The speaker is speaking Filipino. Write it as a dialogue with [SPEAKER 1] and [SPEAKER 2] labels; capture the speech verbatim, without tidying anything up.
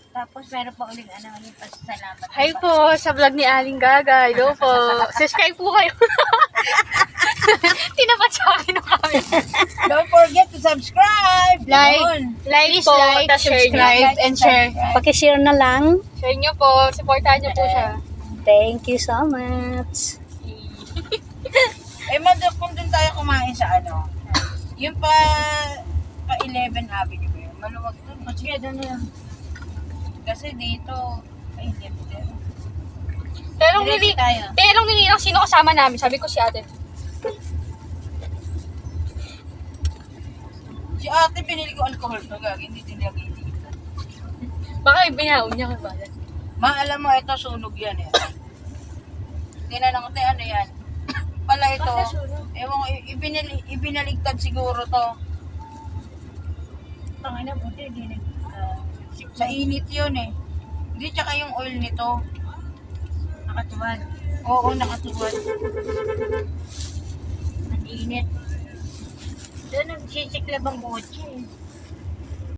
[SPEAKER 1] Tapos meron pa ulit ano, ulit pasalamat.
[SPEAKER 2] Hi po sa vlog ni Aling Gaga. Hello po. Subscribe po kayo. Tinapat sa akin ng camera.
[SPEAKER 1] Don't forget to subscribe.
[SPEAKER 2] Like,
[SPEAKER 1] Yun.
[SPEAKER 2] like
[SPEAKER 3] Please
[SPEAKER 2] po,
[SPEAKER 3] like,
[SPEAKER 2] tas share nyo.
[SPEAKER 3] subscribe, and share. Pakishare na lang.
[SPEAKER 2] Share nyo po, supportahan nyo po siya.
[SPEAKER 3] Thank you so much.
[SPEAKER 1] Eh, madam, kung dun tayo kumain sa ano, yung pa, pa eleven Avenue ba yun? Maluwag dun. O sige, dun na yun. Kasi dito, ay, hindi din.
[SPEAKER 2] Pero nung
[SPEAKER 1] Diretso
[SPEAKER 2] nili,
[SPEAKER 1] tayo.
[SPEAKER 2] pero nung nilinang sino kasama namin, sabi ko si ate.
[SPEAKER 1] Si ate, pinili ko alcohol to, gag. Hindi din lagi dito.
[SPEAKER 2] Baka ibinaon niya kay Balan.
[SPEAKER 1] Ma, alam mo, ito sunog yan eh. Tinanong ko, "Te, ano yan?" Pala ito, ewan ko, i- ibinali, ibinaligtad siguro to.
[SPEAKER 4] Tangina buti, hindi nag...
[SPEAKER 1] Sa init yun eh. Hindi, tsaka yung oil nito.
[SPEAKER 4] nakatuwad.
[SPEAKER 1] Oo, nakatuwad.
[SPEAKER 4] Ang init. Doon nagsisiklab ang kotse.